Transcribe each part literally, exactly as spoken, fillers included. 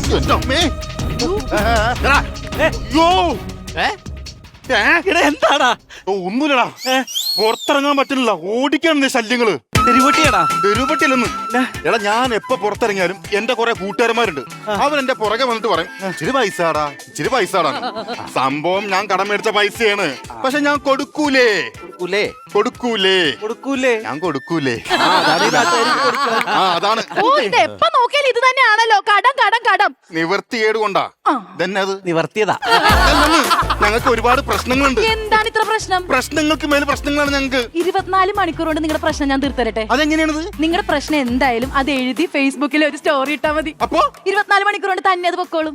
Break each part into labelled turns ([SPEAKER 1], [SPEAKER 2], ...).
[SPEAKER 1] എന്റെ അമ്മേ
[SPEAKER 2] എന്താടാ?
[SPEAKER 1] ഒന്നുമില്ലടാ, പുറത്തിറങ്ങാൻ പറ്റുന്നില്ല. ഓടിക്കാണ് ശല്യങ്ങള്.
[SPEAKER 2] തെരുവട്ടിയാടാ?
[SPEAKER 1] തെരുവട്ടിയല്ലെന്ന്. എടാ, ഞാൻ എപ്പോ പുറത്തിറങ്ങിയാലും എന്റെ കുറെ കൂട്ടുകാരന്മാരുണ്ട്. അവൻ എന്റെ പുറകെ വന്നിട്ട് പറയും, ഇച്ചിരി പൈസടാ, ഇച്ചിരി പൈസടാ. സംഭവം ഞാൻ കടം മേടിച്ച പൈസയാണ്, പക്ഷെ ഞാൻ കൊടുക്കൂലേ കൊടുക്കൂലേ കൊടുക്കൂലേ ഞാൻ കൊടുക്കൂലേ. ആ, അതാണ്.
[SPEAKER 3] എപ്പോ നോക്കിയാലും ഇത് തന്നെയാണല്ലോ, കടം കടം കടം.
[SPEAKER 1] നിവർത്തിയേട് കൊണ്ടാ തന്നെ അത്
[SPEAKER 2] നിവർത്തിയതാ.
[SPEAKER 1] ഞങ്ങൾക്ക് ഒരുപാട് പ്രശ്നങ്ങളുണ്ട്.
[SPEAKER 3] എന്താണ് ഇത്ര പ്രശ്നം?
[SPEAKER 1] പ്രശ്നങ്ങൾക്ക് മേലെ പ്രശ്നങ്ങളാണ് ഞങ്ങൾക്ക്.
[SPEAKER 3] ഇരുപത്തിനാല് മണിക്കൂർ കൊണ്ട് നിങ്ങളുടെ പ്രശ്നം ഞാൻ തീർത്തരട്ടെ.
[SPEAKER 1] അതെങ്ങനെയാണത്?
[SPEAKER 3] നിങ്ങളുടെ പ്രശ്നം എന്തായാലും അത് എഴുതി ഫേസ്ബുക്കിൽ ഒരു സ്റ്റോറി ഇട്ടാ മതി.
[SPEAKER 1] അപ്പൊ
[SPEAKER 3] ഇരുപത്തിനാല് മണിക്കൂർ കൊണ്ട് തന്നെ അത് പൊക്കോളും.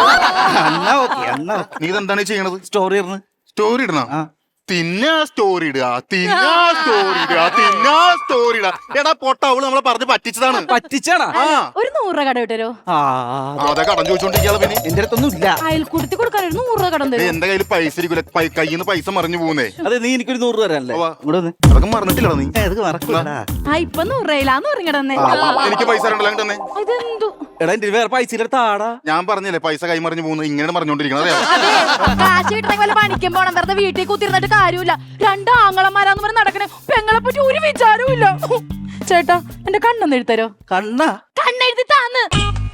[SPEAKER 1] നീ ഇതെന്താണ് ചെയ്യണത്?
[SPEAKER 2] സ്റ്റോറി ഇടണം.
[SPEAKER 1] സ്റ്റോറി ഇടണം. തിന്നാ സ്റ്റോറി ഇടുക, തിന്നാ സ്റ്റോറി ഇടുക, തിന്നാ സ്റ്റോറി ഇടുക. എടാ പൊട്ട, അവള് നമ്മളെ പറഞ്ഞ് പറ്റിച്ചതാണ്.
[SPEAKER 2] പറ്റിച്ചാണ്.
[SPEAKER 3] ഒരു നൂറ് രൂപ കട വിട്ടരോ?
[SPEAKER 1] അതെ, കടം ചോദിച്ചോണ്ടിരിക്കാതെ. പിന്നെ
[SPEAKER 2] എന്റെ അടുത്തൊന്നും ഇല്ല.
[SPEAKER 3] അയൽക്കൂട്ടത്തിൽ കൊടുക്കാൻ ഒരു നൂറ് രൂപ കടം തരും.
[SPEAKER 1] എന്റെ കയ്യിൽ പൈസ ഇരിക്കൂല, കയ്യിൽ നിന്ന് പൈസ മറിഞ്ഞു പോകുന്നേ.
[SPEAKER 2] അതെ, നീ എനിക്കൊരു നൂറ് രൂപ തരാനല്ലേ?
[SPEAKER 1] അതൊക്കെ മറന്നിട്ടില്ലടാ നീ.
[SPEAKER 3] ആ, ഇപ്പൊ നൂറ് രൂപയിലാന്ന് പറഞ്ഞിടന്നേ.
[SPEAKER 1] എനിക്ക് പൈസ രണ്ടല്ല തന്നെ.
[SPEAKER 3] ഇതെന്തു?
[SPEAKER 2] എടാ, എന്റെ വേറെ പൈസ താടാ.
[SPEAKER 1] ഞാൻ പറഞ്ഞില്ലേ പൈസ കൈമറിഞ്ഞു പോകുന്നു. ഇങ്ങനെ പറഞ്ഞോണ്ടിരിക്കുന്നത്
[SPEAKER 3] അതെ, കാശ് കിട്ടണമെങ്കിൽ വല്ല പണിക്കും പോണം. വെറുതെ വീട്ടിൽ കുത്തിരുന്നിട്ട് കാര്യമില്ല. രണ്ട് ആങ്ങളമാരാന്ന് പറഞ്ഞ് നടക്കണേ. പെങ്ങളെ പറ്റി ഒരു വിചാരവും ഇല്ല. ചേട്ടാ, എന്റെ കണ്ണൊന്ന് എഴുത്തരോ?
[SPEAKER 2] കണ്ണ
[SPEAKER 3] കണ്ണെഴുതി താന്ന്.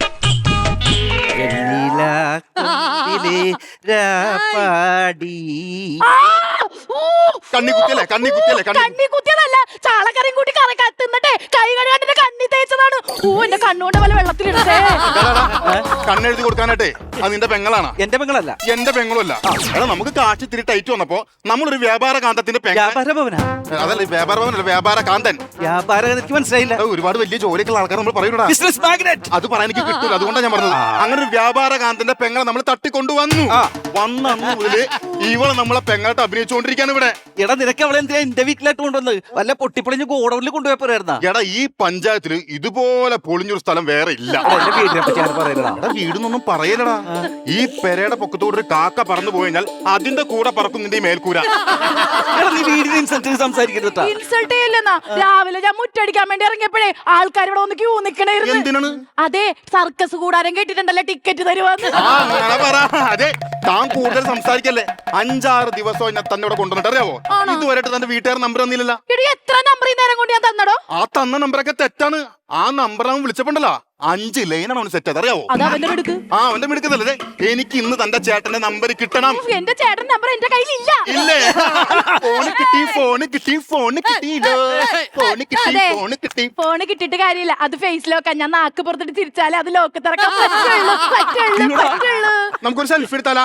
[SPEAKER 1] കണ്ണി കുത്തിയല്ലേ കണ്ണി കുത്തിയല്ലേ
[SPEAKER 3] കണ്ണി കുത്തിയതല്ല, ചാളക്കറിയും കൂട്ടി കറി കത്തിന്നിട്ടേ കൈ കഴുകാണ്ട് കണ്ണി തേച്ചതാണ്. ഓ, എന്റെ കണ്ണുകൊണ്ട് വല്ല വെള്ളത്തിലിടേ.
[SPEAKER 1] കണ്ണെഴുതി കൊടുക്കാനായിട്ടേ അത് നിന്റെ പെങ്ങളാണ്.
[SPEAKER 2] എന്റെ പെങ്ങളല്ല.
[SPEAKER 1] എന്റെ പെങ്ങളുമല്ല. എടാ, നമുക്ക് കാശ് ഇത്തിരി ടൈറ്റ് വന്നപ്പോ നമ്മളൊരു വ്യാപാര കാന്തത്തിന്റെ
[SPEAKER 2] വ്യാപാര ഭവനാ?
[SPEAKER 1] അതല്ല, വ്യാപാര ഭവനല്ല, വ്യാപാര കാന്തൻ.
[SPEAKER 2] വ്യാപാരം എനിക്ക് മനസ്സിലായില്ല.
[SPEAKER 1] ഒരുപാട് വലിയ ജോലിയൊക്കെയുള്ള ആൾക്കാർ നമ്മൾ പറയൂടാ.
[SPEAKER 2] Business magnate.
[SPEAKER 1] അത് പറയാൻ എനിക്ക് കിട്ടൂല, അതുകൊണ്ടാണ് ഞാൻ പറഞ്ഞത്. അങ്ങനെ ഒരു വ്യാപാര കാന്തന്റെ പെങ്ങളെ നമ്മൾ തട്ടിക്കൊണ്ടുവന്നു. വന്നു മുതല് ഇവളെ നമ്മളെ പെങ്ങളായിട്ട് അഭിനയിച്ചുകൊണ്ടിരിക്കാണ് ഇവിടെ.
[SPEAKER 2] എടാ, നിനക്ക് അവളെ എന്തിനാ എന്റെ വീട്ടിലായിട്ട് കൊണ്ടുവന്നത്? വല്ല പൊട്ടിപ്പൊളിഞ്ഞ് ഗോഡൌണിൽ കൊണ്ടുപോയപ്പോരായിരുന്നാ?
[SPEAKER 1] എടാ, ഈ പഞ്ചായത്തില് ഇതുപോലെ പൊളിഞ്ഞൊരു സ്ഥലം വേറെ ഇല്ല.
[SPEAKER 2] എന്റെ വീടിനെ പറ്റി ഞാൻ പറയുന്നതാ.
[SPEAKER 1] എടാ, വീടൊന്നും പറയലടാ. ഈ പെരയുടെ പൊക്കത്തോട് ഒരു കാക്ക പറന്നു പോയി കഴിഞ്ഞാൽ അതിന്റെ കൂടെ പറക്കും നിന്റെ ഈ മേൽക്കൂര.
[SPEAKER 2] നീ വീടിന് ഇൻസൾട്ട് സംസാരിക്കരുത്.
[SPEAKER 3] ഇൻസൾട്ട് ചെയ്യില്ലെന്നാ. രാവിലെ ഞാൻ മുറ്റടിക്കാൻ വേണ്ടി ഇറങ്ങിയപ്പോഴേ ആൾക്കാർ ഇവിടെ ഒന്ന് ക്യൂ നിക്കണായിരുന്നു.
[SPEAKER 1] എന്തിനാണ്?
[SPEAKER 3] അതെ, സർക്കസ് കൂടാരം കേട്ടിട്ടുണ്ടല്ലോ, ടിക്കറ്റ് തരുവാന്ന്.
[SPEAKER 1] അതെ, താൻ കൂടുതൽ സംസാരിക്കല്ലേ. അഞ്ചാറ് ദിവസം എന്നെ തന്നെ ഇവിടെ കൊണ്ടുവന്നിട്ട് അറിയാവോ? ഇതുവരെയായിട്ട് തന്റെ വീട്ടുകാർ നമ്പർ തന്നില്ലല്ലോ.
[SPEAKER 3] എത്ര നമ്പർ ഈ നേരം കൊണ്ട് ഞാൻ തന്നടോ?
[SPEAKER 1] ആ തന്ന നമ്പറൊക്കെ തെറ്റാണ്. ആ നമ്പർ അവൻ വിളിച്ചപ്പോണ്ടല്ലോ അഞ്ച് ലൈനാണ് അവന് സെറ്റ്. അതറിയാവോ?
[SPEAKER 3] അത് അവന്റെ മിടുക്ക്.
[SPEAKER 1] ആ, അവന്റെ മിടുക്കതല്ലേ. എനിക്ക് ഇന്ന് തന്റെ ചേട്ടന്റെ നമ്പർ കിട്ടണം.
[SPEAKER 3] എന്റെ ചേട്ടൻ നമ്പർ എന്റെ കയ്യിലില്ല.
[SPEAKER 1] ഇല്ലേ? ഫോണ് കിട്ടി, ഫോണ് കിട്ടി, ഫോണ് കിട്ടി, ഫോണ് കിട്ടി, ഫോണ് കിട്ടി.
[SPEAKER 3] ഫോണ് കിട്ടിയിട്ട് കാര്യമില്ല. അത് ഫേസ് ലോക്കാ. ഞാൻ നാക്ക് പുറത്തിട്ട് തിരിച്ചാലേ അത് ലോക്ക് തുറക്കാൻ പറ്റുള്ളൂ. പറ്റുള്ളൂ പറ്റുള്ളൂ.
[SPEAKER 1] നമുക്കൊരു സെൽഫി എടുത്താലാ?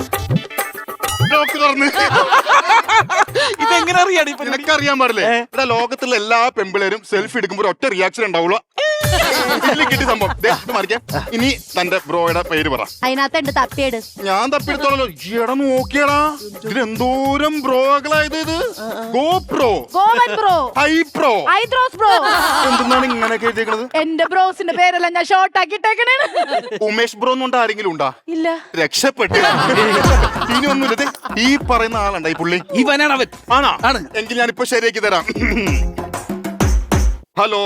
[SPEAKER 1] ലോക്ക് തുറന്ന്
[SPEAKER 2] ഇതെങ്ങനെ അറിയാടി?
[SPEAKER 1] നിനക്കറിയാൻ പാടില്ലേ? ഇവിടെ ലോകത്തുള്ള എല്ലാ പെമ്പിളേരും സെൽഫി എടുക്കുമ്പോൾ ഒറ്റ റിയാക്ഷൻ ഉണ്ടാവുള്ളൂ. കിട്ടി സംഭവം. ഇനി തന്റെ ബ്രോയുടെ പേര് പറ.
[SPEAKER 3] അതിനകത്ത് എന്റെ തപ്പിയേട്.
[SPEAKER 1] ഞാൻ തപ്പിയെടുത്തോളല്ലോ. ഈയിടെ നോക്കിയടാ, ഇതിലെന്തോരം ബ്രോകളായത്. ഇത് GoPro,
[SPEAKER 3] bro,
[SPEAKER 1] high pro,
[SPEAKER 3] Aidros bro.
[SPEAKER 1] എന്താണ് ഇങ്ങനെയൊക്കെ എഴുതിയേക്കണത്?
[SPEAKER 3] എന്റെ ബ്രോസിന്റെ പേരെല്ലാം ഞാൻ ഷോർട്ട് ആക്കിട്ടേക്കണേ.
[SPEAKER 1] ഉമേഷ് ബ്രോ എന്നുകൊണ്ട് ആരെങ്കിലും ഉണ്ടാ?
[SPEAKER 3] ഇല്ല.
[SPEAKER 1] രക്ഷപ്പെട്ടു. ഇനി ഒന്നുമില്ല. ഈ പറയുന്ന ആളുണ്ട ഈ പുള്ളി.
[SPEAKER 2] ഇവനാണ് അവൻ.
[SPEAKER 1] ആണോ? എങ്കിൽ ഞാനിപ്പോ ശരിയാക്കി തരാം. ഹലോ.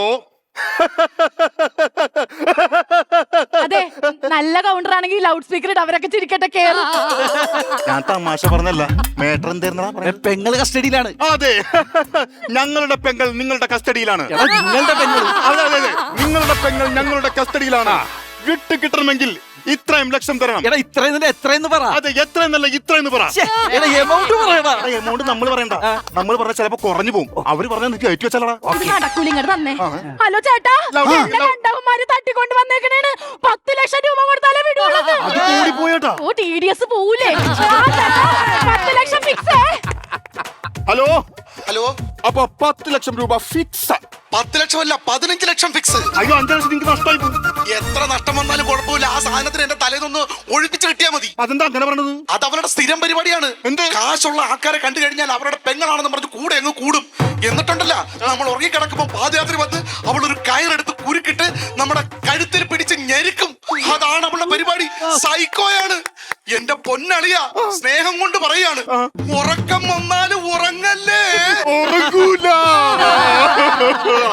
[SPEAKER 3] അതെ, നല്ല കൗണ്ടർ ആണെങ്കിൽ ലൗഡ് സ്പീക്കർ ഇട്ട് അവരൊക്കെ ചിരിക്കട്ടെ. കേറും.
[SPEAKER 1] ഞാൻ തമാശ പറഞ്ഞല്ല. മേട്ടർ എന്തായിരുന്നാ?
[SPEAKER 2] പെങ്ങള് കസ്റ്റഡിയിലാണ്.
[SPEAKER 1] അതെ, ഞങ്ങളുടെ പെങ്ങൾ നിങ്ങളുടെ കസ്റ്റഡിയിലാണ്.
[SPEAKER 2] നിങ്ങളുടെ പെങ്ങൾ?
[SPEAKER 1] അതെ അതെ അതെ, നിങ്ങളുടെ പെങ്ങൾ ഞങ്ങളുടെ കസ്റ്റഡിയിലാണ്. വിട്ട് കിട്ടണമെങ്കിൽ ഇത്രയും ലക്ഷം തരണം.
[SPEAKER 2] എടാ, ഇത്രയും എത്രയെന്ന് പറ.
[SPEAKER 1] അതെ, എത്രയെന്നല്ല ഇത്രയെന്ന് പറ.
[SPEAKER 2] എമൗണ്ട് പറയടാ.
[SPEAKER 1] എമൗണ്ട് നമ്മൾ പറയണ്ട. നമ്മൾ പറഞ്ഞ ചിലപ്പോ കുറഞ്ഞു പോകും. അവര് പറഞ്ഞാൽ നിനക്ക് കയറ്റി വെച്ചാലടാ.
[SPEAKER 3] തന്നെ. ഹലോ ചേട്ടാ, രണ്ടാമന്മാര് തട്ടിക്കൊണ്ട് വന്നേക്കണേണ്. പത്ത് ലക്ഷം രൂപ കൊടുത്താലേ വിടുള്ളൂ.
[SPEAKER 1] പോയേട്ടാ.
[SPEAKER 3] ഓ, ടി ഡി എസ് പോവൂലേ? പത്ത് ലക്ഷം ഫിക്സ്.
[SPEAKER 1] Hello
[SPEAKER 4] hello.
[SPEAKER 1] അപ്പൊ പത്ത് ലക്ഷം രൂപ ഫിക്സ്.
[SPEAKER 4] പത്ത് ലക്ഷം അല്ല, പതിനഞ്ച് ലക്ഷം ഫിക്സ്.
[SPEAKER 1] അയ്യോ, അഞ്ചു ലക്ഷം നിങ്ങൾക്ക് നഷ്ടമായി പോകും.
[SPEAKER 4] എത്ര നഷ്ടം വന്നാലും കുഴപ്പമില്ല. ആ സാധനത്തിന് എന്റെ തലേന്നൊന്ന് ഒഴിപ്പിച്ച് കിട്ടിയാൽ മതി.
[SPEAKER 1] അതെന്താ അങ്ങനെ പറഞ്ഞത്?
[SPEAKER 4] അത് അവരുടെ സ്ഥിരം പരിപാടിയാണ്.
[SPEAKER 1] എന്ത്?
[SPEAKER 4] കാശുള്ള ആൾക്കാരെ കണ്ടു കഴിഞ്ഞാൽ അവരുടെ പെങ്ങളാണെന്ന് പറഞ്ഞ് കൂടെ അങ്ങ് കൂടും. എന്നിട്ടുണ്ടല്ല, നമ്മൾ ഉറങ്ങി കിടക്കുമ്പോ പാദയാത്ര വന്ന് അവളൊരു കയറെടുത്ത് കുരുക്കിട്ട് നമ്മുടെ കഴുത്തിൽ പിടിച്ച് ഞെരുക്കും. അതാണ് അവളുടെ പരിപാടി. സൈക്കോയാണ്. എന്റെ പൊന്നളിയ, സ്നേഹം കൊണ്ട് പറയാണ്, ഉറക്കം വന്നാലും ഉറങ്ങല്ലേ.
[SPEAKER 1] ഉറങ്ങൂല.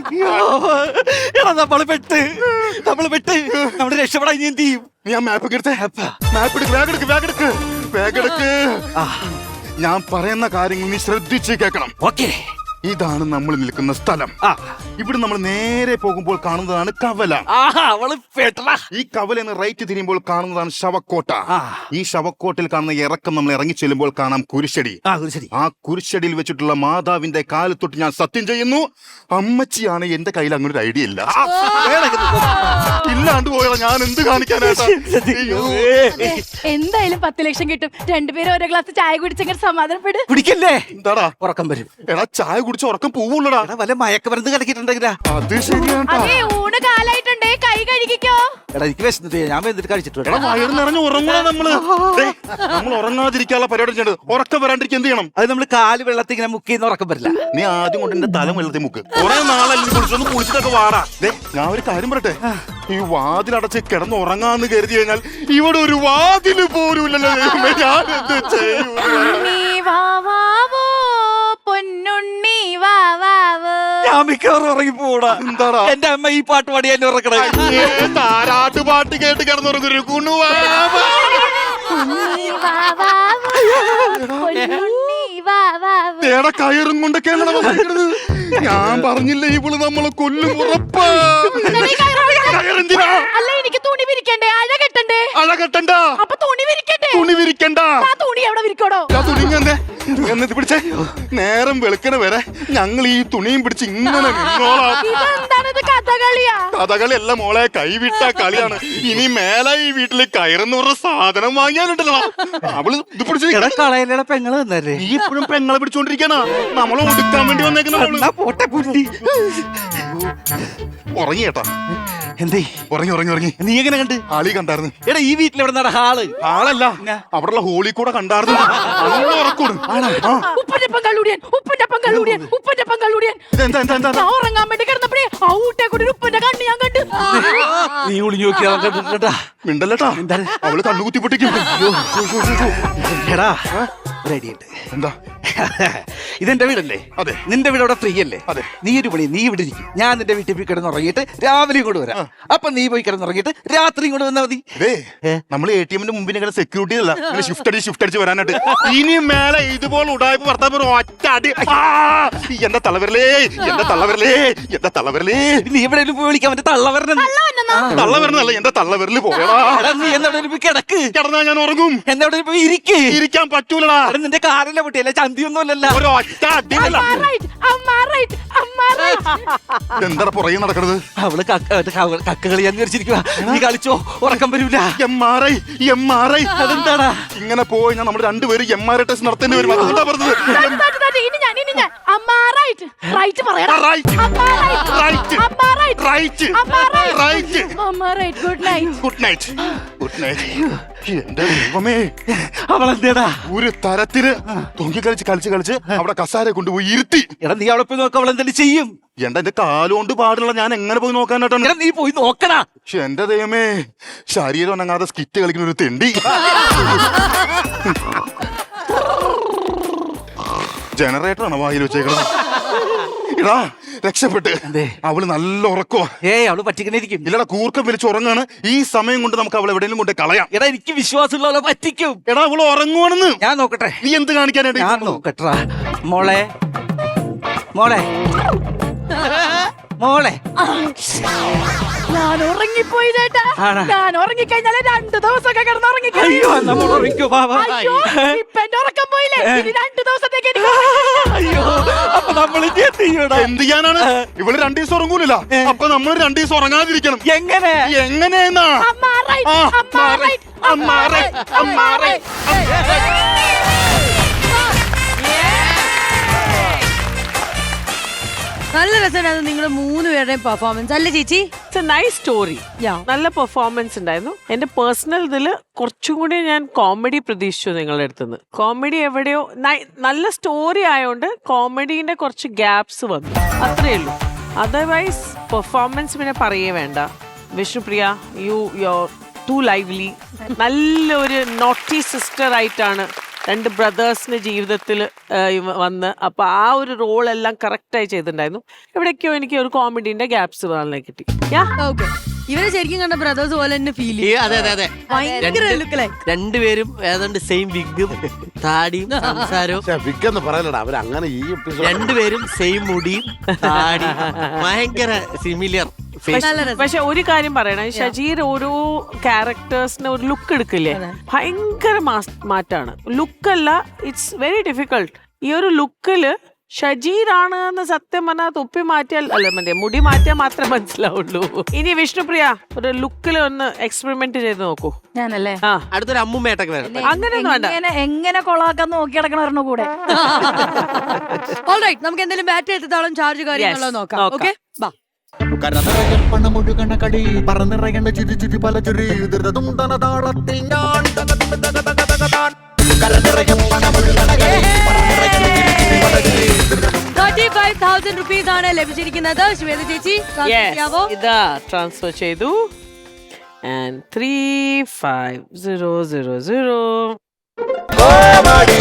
[SPEAKER 2] എടാ നമ്മള് പെട്ട് നമ്മള് പെട്ട് നമ്മള് രക്ഷപ്പെടാൻ ഇനി എന്ത് ചെയ്യും?
[SPEAKER 1] നീ ആ മാപ്പ് എടുത്തേ. മാപ്പ് എടുക്ക്, ബാഗ് എടുക്ക്, ബാഗ് എടുക്ക്, ബാഗ് എടുക്ക്. ഞാൻ പറയുന്ന കാര്യങ്ങൾ നീ ശ്രദ്ധിച്ച് കേൾക്കണം.
[SPEAKER 2] ഓക്കേ.
[SPEAKER 1] ഇതാണ് നമ്മൾ നിൽക്കുന്ന സ്ഥലം.
[SPEAKER 2] ആ.
[SPEAKER 1] ഇവിടെ നമ്മൾ നേരെ പോകുമ്പോൾ കാണുന്നതാണ് കവല.
[SPEAKER 2] ആഹാ, അവള് പെട്ടടാ.
[SPEAKER 1] ഈ കവലെന്ന് റൈറ്റ് തിരിയുമ്പോൾ കാണുന്നതാണ് ശവക്കോട്ട.
[SPEAKER 2] ആ.
[SPEAKER 1] ഈ ശവക്കോട്ടിൽ കാണുന്ന ഇറക്കം നമ്മൾ ഇറങ്ങി ചെല്ലുമ്പോൾ കാണാം കുരിശടി.
[SPEAKER 2] ആ, ശരി.
[SPEAKER 1] ആ കുരിശടിയിൽ വെച്ചിട്ടുള്ള മാതാവിന്റെ കാല് തൊട്ട് ഞാൻ സത്യം ചെയ്യുന്നു, അമ്മച്ചിയാണ്. എന്റെ കയ്യിൽ അങ്ങനെ ഒരു ഐഡിയ ഇല്ല. ഇല്ലാണ്ട് പോയാ ഞാൻ എന്ത് കാണിക്കാനായിട്ടാ?
[SPEAKER 3] അതെ, എന്തായാലും പത്ത് ലക്ഷം കിട്ടും. രണ്ടുപേരും ഓരോ ഗ്ലാസ് ചായ കുടിച്ചെങ്കിൽ സമാധാനപ്പെട്.
[SPEAKER 2] കുടിക്കല്ലേ?
[SPEAKER 1] എന്താടാ
[SPEAKER 2] ഉറക്കം വരും.
[SPEAKER 1] എടാ ചായ കുടിച്ച് ഉറക്കം പോവുള്ളടാ.
[SPEAKER 2] എടാ വല്ല മയക്കമരുന്ന് കലക്കിട്ടുണ്ടെങ്കിലാ.
[SPEAKER 1] അത് ശരിയാ.
[SPEAKER 3] അതെ, ഊണ് കാലായിട്ടുണ്ടേ, കൈ കഴുകിക്കോ.
[SPEAKER 2] എടാ എനിക്ക് വിശന്നിട്ട് ഞാൻ എന്നിട്ട് കഴിച്ചിട്ട്
[SPEAKER 1] എടാ വയറ് നിറഞ്ഞ് ഉറങ്ങണ നമ്മള്. ദേ, നമ്മൾ ഉറങ്ങാതിരിക്കാനുള്ള പരിപാടി ചെയ്യേണ്ടത്. ഉറക്കം വരാണ്ടിരിക്കും എന്ത് ചെയ്യണം?
[SPEAKER 2] അത് നമ്മള് കാല് വെള്ളത്തിൽ ഇങ്ങനെ മുക്കിന്ന് ഉറക്കം വരില്ല.
[SPEAKER 1] നീ ആദ്യം കൊണ്ട് എന്റെ തല വെള്ളത്തിൽ മുക്ക്. കുറെ നാളല്ലേ കുളിച്ചൊന്ന് കുളിച്ചിട്ടൊക്കെ വാടാ. ദേ, ഞാൻ ഒരു കാര്യം പറയട്ടെ. ഈ വാതിലടച്ച് കിടന്ന് ഉറങ്ങാന്ന് കരുതി കഴിഞ്ഞാൽ ഇവിടെ ഒരു വാതില് പോലുമില്ലല്ലോ. ദൈവമേ, ഞാൻ എന്ത് ചെയ്യും?
[SPEAKER 3] ഉണ്ണി വാവാവോ, പൊന്നുണ്ണി വാവാവോ.
[SPEAKER 2] ഞാൻ മിക്കവാറും ഉറങ്ങി പോടാ.
[SPEAKER 1] എന്താടാ?
[SPEAKER 2] എന്റെ അമ്മ ഈ പാട്ട് പാടി എന്നെ ഉറക്കണേ.
[SPEAKER 1] താരാട്ട് പാട്ട് കേട്ട് കിടന്നുറങ്ങൊരു കുണുവാ.
[SPEAKER 3] ഉണ്ണി വാവാവോ, പൊന്നുണ്ണി വാവാവോ.
[SPEAKER 1] തേടെ കയറും കൊണ്ടൊക്കെയാണ് വന്നിരിക്കുന്നത്. ഞാൻ പറഞ്ഞില്ലേ ഇവള് നമ്മളെ കൊല്ലും ഉറപ്പാ. കയറെന്തിനാ?
[SPEAKER 3] അല്ല, എനിക്ക് തുണി വിരിക്കണ്ടേ? അഴ കെട്ടണ്ടേ?
[SPEAKER 1] അഴ കെട്ടണ്ട.
[SPEAKER 3] അപ്പൊ തുണി വിരിക്കണ്ടേ?
[SPEAKER 1] തുണി വിരിക്കണ്ട.
[SPEAKER 3] ആ തുണി എവിടെ വിരിക്കണോ?
[SPEAKER 1] ആ തുണി ഇങ്ങനെ എന്നിട്ട് പിടിച്ചേ. നേരം വെളുക്കണ വരെ ഞങ്ങൾ ഈ തുണിയും പിടിച്ച് ഇങ്ങനെ നിന്നോളാം.
[SPEAKER 3] ഇതെന്താണിത്, കഥകളിയാ?
[SPEAKER 1] കഥകളി എല്ലാം മോളെ കൈവിട്ട കളിയാണ്. ഇനി മേലെ ഈ വീട്ടില് കയറുന്ന പറഞ്ഞ സാധനം വാങ്ങിയാലുണ്ടല്ലോ അവള് ഇത് പിടിച്ച്.
[SPEAKER 2] എടാ കളയിലട പെങ്ങള് തന്നല്ലേ.
[SPEAKER 1] നീ ഇപ്പോഴും പെങ്ങളെ പിടിച്ചോണ്ടിരിക്കാനാ? നമ്മളെ ഒടുക്കാൻ വേണ്ടി വന്നേക്കുന്ന
[SPEAKER 2] പോട്ടെ പുല്ലി.
[SPEAKER 1] ഉറങ്ങി കേട്ടാ.
[SPEAKER 2] എന്തേ
[SPEAKER 1] ഉറങ്ങി ഉറങ്ങി ഉറങ്ങി.
[SPEAKER 2] നീ എങ്ങനെ കണ്ട്?
[SPEAKER 1] ആളി കണ്ടായിരുന്നു.
[SPEAKER 2] എടാ ഈ വീട്ടിൽ എവിടെ നട ഹാള്?
[SPEAKER 1] ആളല്ല, അവിടെയുള്ള ഹോളി കൂടെ കണ്ടായിരുന്നു. നല്ല ഉറക്കൂടും.
[SPEAKER 3] ഉപ്പന്റെ പങ്കാളൂടിയൻ, ഉപ്പന്റെ പങ്കാളൂടിയൻ, ഉപ്പന്റെ പങ്കാളൂടിയൻ.
[SPEAKER 1] ഇതെന്താ എന്താ എന്താ?
[SPEAKER 3] ഞാൻ ഉറങ്ങാൻ വേണ്ടി കിടന്നപ്പോഴേ ആ ഊട്ടെ കൂടി ഒരു ഉപ്പന്റെ കണ്ണ് ഞാൻ കണ്ടു.
[SPEAKER 2] നീ ഒളിഞ്ഞു നോക്കിയാ
[SPEAKER 1] മിണ്ടല്ലട്ടാ, അവള് കണ്ണുകുത്തി പൊട്ടിക്കും.
[SPEAKER 2] എടാ റെഡിയുണ്ട്.
[SPEAKER 1] എന്താ?
[SPEAKER 2] ഇതെന്റെ വീടല്ലേ?
[SPEAKER 1] അതെ.
[SPEAKER 2] നിന്റെ വീട് അവിടെ ഫ്രീ അല്ലേ?
[SPEAKER 1] അതെ.
[SPEAKER 2] നീ ഒരു പണി, നീ ഇവിടെ ഇരിക്കും. ഞാൻ നിന്റെ വീട്ടിൽ പോയി കിടന്നുറങ്ങിയിട്ട് രാവിലെ ഇങ്ങോട്ട് വരാം. അപ്പൊ നീ പോയി കിടന്നുറങ്ങിയിട്ട് രാത്രി ഇങ്ങോട്ട് വന്നാൽ മതി.
[SPEAKER 1] നമ്മൾ എ ടി എമ്മിന്റെ മുമ്പിൽ ഇങ്ങനെ സെക്യൂരിറ്റി അല്ല, ഇങ്ങനെ ഷിഫ്റ്റ് അടിച്ച് ഷിഫ്റ്റ് അടിച്ച് വരാനായിട്ട്. ഇനി മേലെ ഇതുപോലെ ഉടായ്പ ഭർത്താവ് ഒറ്റ അടി. എന്റെ തലവരലേ, എന്റെ തലവരലേ, എന്റെ തലവരലേ.
[SPEAKER 2] നീ എവിടെയെങ്കിലും പോയി വിളിക്കാൻ പറ്റും. തള്ള വരണ
[SPEAKER 1] തള്ള വരണല്ല, എന്റെ തള്ളവരല് പോയടാ.
[SPEAKER 2] നീ എന്നെവിടെയും പോയി കിടക്ക്.
[SPEAKER 1] കിടന്നാ ഞാൻ ഉറങ്ങും.
[SPEAKER 2] എന്നെവിടെയും പോയി ഇരിക്ക്.
[SPEAKER 1] ഇരിക്കാൻ പറ്റൂലടാ.
[SPEAKER 2] നിന്റെ കാറിലെ പൊട്ടിയല്ല, ചന്തിയൊന്നും അല്ലല്ലോ.
[SPEAKER 1] ഒറ്റ അടിയല്ല. എന്താ പുറകെ നടക്കണത്?
[SPEAKER 2] അവള് കക്ക കളിയാന്ന് വിചാരിച്ചിരിക്കുക. നീ കളിച്ചോ, ഉറക്കം വരൂല.
[SPEAKER 1] M R I M R I.
[SPEAKER 2] അതെന്താടാ?
[SPEAKER 1] ഇങ്ങനെ പോയി ഞാൻ നമ്മൾ രണ്ടുപേരും എം ആർ ഐ ടെസ്റ്റ് നടത്തേണ്ടി വരും. അതുകൊണ്ടാ പറഞ്ഞത്.
[SPEAKER 3] ഇനി ഞാൻ ഇനി ഞാൻ അമ്മാറായിട്ട് റൈറ്റ് പറയണം. Good night.
[SPEAKER 1] Good night. Good night. എന്റെ ദൈവമേ,
[SPEAKER 2] അവളെന്തേടാ
[SPEAKER 1] ഒരു തരത്തില് തൊങ്കി കളിച്ച് കളിച്ച് കളിച്ച് അവിടെ കസാരെ കൊണ്ടുപോയി ഇരുത്തി.
[SPEAKER 2] എടാ നീ അവിടെ പോയി നോക്ക, അവളെന്തെങ്കിലും ചെയ്യും.
[SPEAKER 1] എന്റെ എന്റെ കാലുകൊണ്ട് പാടുള്ള ഞാൻ എങ്ങനെ പോയി നോക്കാനായിട്ടാണ്?
[SPEAKER 2] നീ പോയി നോക്കണ.
[SPEAKER 1] പക്ഷെ എന്റെ ദൈവമേ, ശരീരം അനങ്ങാതെ സ്കിറ്റ് കളിക്കുന്ന ഒരു തെണ്ടി. ജനറേറ്ററാണ് വായിൽ വെച്ചേക്കുന്നത്. ഇടാ രക്ഷപ്പെട്ട്. അവള് നല്ല ഉറക്കോ.
[SPEAKER 2] ഏയ് അവള് പറ്റിക്കണിരിക്കും.
[SPEAKER 1] ഇല്ലടാ, കൂർക്കം വലിച്ച് ഉറങ്ങാണ്. ഈ സമയം കൊണ്ട് നമുക്ക് അവളെ എവിടെയെങ്കിലും കൊണ്ട് കളയാം.
[SPEAKER 2] എടാ എനിക്ക് വിശ്വാസമുള്ള പറ്റിക്കും.
[SPEAKER 1] എടാ അവള് ഉറങ്ങുവാണെന്ന്.
[SPEAKER 2] ഞാൻ നോക്കട്ടെ.
[SPEAKER 1] നീ എന്ത് കാണിക്കാനായിട്ട്?
[SPEAKER 2] ഞാൻ നോക്കട്ടെ. മോളെ മോളെ മോളെ
[SPEAKER 3] ഞാൻ ഉറങ്ങിപ്പോയി ചേട്ടാ.
[SPEAKER 2] ആണോ?
[SPEAKER 3] ഞാൻ ഉറങ്ങിക്കഴിഞ്ഞാല് രണ്ടു ദിവസമൊക്കെ കിടന്ന്
[SPEAKER 2] അയ്യോ
[SPEAKER 3] ഉറങ്ങിക്കഴിഞ്ഞു.
[SPEAKER 2] നമ്മൾ ഉറങ്ങിക്കോ ബാബാ.
[SPEAKER 3] അയ്യോ, ഇപ്പൊ എന്റെ ഉറക്കം പോയില്ലേ? ഇനി രണ്ടു ദിവസത്തേക്ക് എനിക്ക്
[SPEAKER 2] അയ്യോ അപ്പൊ നമ്മൾ എന്ത് ചെയ്യൂടാ?
[SPEAKER 1] എന്ത് ചെയ്യാനാണ്? ഇവള് രണ്ടു ദിവസം ഉറങ്ങൂല. അപ്പൊ നമ്മൾ രണ്ടു ദിവസം ഉറങ്ങാതിരിക്കണം.
[SPEAKER 2] എങ്ങനെ
[SPEAKER 1] എങ്ങനെയെന്നാ?
[SPEAKER 3] അമ്മ റൈറ്റ്,
[SPEAKER 1] ആ,
[SPEAKER 3] അമ്മ റൈറ്റ്,
[SPEAKER 1] അമ്മ റൈറ്റ്, അമ്മ റൈറ്റ്.
[SPEAKER 5] നല്ല രസമായിരുന്നു നിങ്ങളുടെ മൂന്ന് പേരുടെയും പെർഫോമൻസ് അല്ലേ ചേച്ചി?
[SPEAKER 6] It's a nice story. നല്ല പെർഫോമൻസ് ഉണ്ടായിരുന്നു. എന്റെ പേഴ്സണൽ ഇതില് കുറച്ചും കൂടി ഞാൻ കോമഡി പ്രതീക്ഷിച്ചു നിങ്ങളുടെ അടുത്തുനിന്ന്. കോമഡി എവിടെയോ നല്ല സ്റ്റോറി ആയതുകൊണ്ട് കോമഡീന്റെ കുറച്ച് ഗ്യാപ്സ് വന്നു, അത്രയേ ഉള്ളൂ. അതർവൈസ് പെർഫോമൻസ് പിന്നെ പറയേ വേണ്ട. Vishnupriya, you you're too lively. നല്ലൊരു നോട്ടി സിസ്റ്റർ ആയിട്ടാണ് രണ്ട് ബ്രദേഴ്സിന് ജീവിതത്തിൽ വന്ന് അപ്പൊ ആ ഒരു റോൾ എല്ലാം കറക്റ്റായി ചെയ്തിട്ടുണ്ടായിരുന്നു. എവിടേക്കോ എനിക്ക് ഒരു കോമഡീന്റെ ഗ്യാപ്സ് വളരെ കിട്ടി. യാ
[SPEAKER 5] ഓക്കെ ഇവരെ ശരിക്കും കണ്ട ബ്രദേഴ്സ് പോലെ തന്നെ ഫീൽ
[SPEAKER 7] ഈ അതെ അതെ അതെ
[SPEAKER 5] ഭയങ്കര
[SPEAKER 7] രണ്ട്
[SPEAKER 5] look like.
[SPEAKER 7] രണ്ടുപേരും ഏതാണ്ട് സെയിം വിഗും താടിയും സംസാരവും
[SPEAKER 8] വിക്കെന്ന് പറയലടാ അവര് അങ്ങനെ ഈ എപ്പിസോഡ്
[SPEAKER 7] രണ്ടുപേരും സെയിം മുടിയും താടിയും ഭയങ്കര സിമിലിയർ ഫേസ്.
[SPEAKER 5] നല്ല രസം.
[SPEAKER 6] പക്ഷെ ഒരു കാര്യം പറയണം, ഷജീർ ഓരോ ക്യാരക്ടേഴ്സിന് ഒരു ലുക്ക് എടുക്കില്ലേ, ഭയങ്കര മാസ്- മാറ്റാണ്. ലുക്കല്ല, ഇറ്റ്സ് വെരി ഡിഫിക്കൾട്ട്. ഈ ഒരു ലുക്കില് ഷജീറാണ് എന്ന് സത്യം പറഞ്ഞാൽ തൊപ്പി മാറ്റിയാൽ അല്ല മറ്റേ മുടി മാറ്റിയാൽ മാത്രമേ മനസ്സിലാവുള്ളൂ. ഇനി വിഷ്ണുപ്രിയ ഒരു ലുക്കിൽ ഒന്ന് എക്സ്പെരിമെന്റ് ചെയ്ത് നോക്കൂ.
[SPEAKER 3] ഞാനല്ലേ
[SPEAKER 6] ആ
[SPEAKER 7] അടുത്തൊരു അമ്മുമ്മേട്ടൊക്കെ വരണം.
[SPEAKER 6] അങ്ങനെയൊന്നും വേണ്ട.
[SPEAKER 3] എങ്ങനെ എങ്ങനെ കൊളാക്കാൻ നോക്കി കിടക്കണവരുടെ കൂടെ
[SPEAKER 5] ഓൾറൈറ്റ് നമുക്ക് എന്തെങ്കിലും ബാറ്ററി എത്രത്തോളം ചാർജ് കാര്യങ്ങളോ
[SPEAKER 6] Yes,
[SPEAKER 5] നോക്കാം.
[SPEAKER 6] നോക്കാം.
[SPEAKER 5] ഓക്കെ ബാ.
[SPEAKER 9] കരനിറയൽ പണമൊഴുകണ കടി പറന്നിറയേണ്ട ചിരി ചിരി പല ചിരി ധൃതതും തന താളത്തിൽ ഞാൻ കരനിറയൽ പണമൊഴുകണ കടി പറന്നിറയേണ്ട ചിരി ചിരി പല ചിരി
[SPEAKER 5] thirty-five thousand rupees ആണ് ലഭിച്ചിരിക്കുന്നത്. ശ്വേത ചേച്ചി
[SPEAKER 6] Yes,
[SPEAKER 5] ചെയ്യാവോ?
[SPEAKER 6] ഇതാ ട്രാൻസ്ഫർ ചെയ്തു. And three five zero zero zero
[SPEAKER 9] comedy